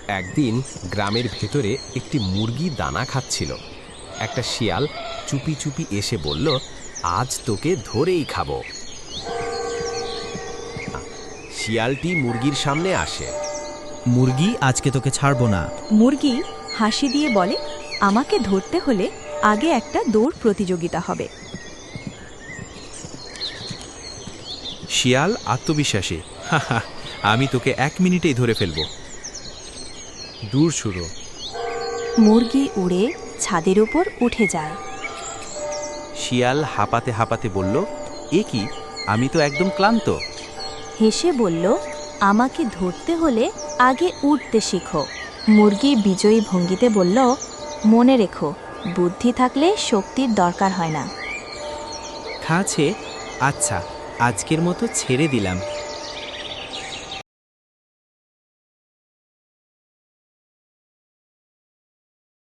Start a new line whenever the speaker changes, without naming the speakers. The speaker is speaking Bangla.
একদিন গ্রামের ভেতরে একটি মুরগি দানা খাচ্ছিল। একটা শিয়াল চুপি চুপি এসে বলল, আজ তোকে ধরেই খাবো। শিয়ালটি মুরগির সামনে আসে।
মুরগি, আজকে তোকে ছাড়বো না।
মুরগি হাসি দিয়ে বলে, আমাকে ধরতে হলে আগে একটা দৌড় প্রতিযোগিতা হবে।
শিয়াল আত্মবিশ্বাসী, হাহা, আমি তোকে 1 মিনিটেই ধরে ফেলবো।
দূর শুরু।
মুরগি উড়ে ছাদের উপর উঠে যায়।
শিয়াল হাঁপাতে হাঁপাতে বলল, এ কি, আমি তো একদম ক্লান্ত।
হেসে বলল, আমাকে ধরতে হলে আগে উঠতে শিখো। মুরগি বিজয়ী ভঙ্গিতে বলল, মনে রেখো, বুদ্ধি থাকলে শক্তির দরকার হয় না।
খাচ্ছে, আচ্ছা, আজকের মতো ছেড়ে দিলাম।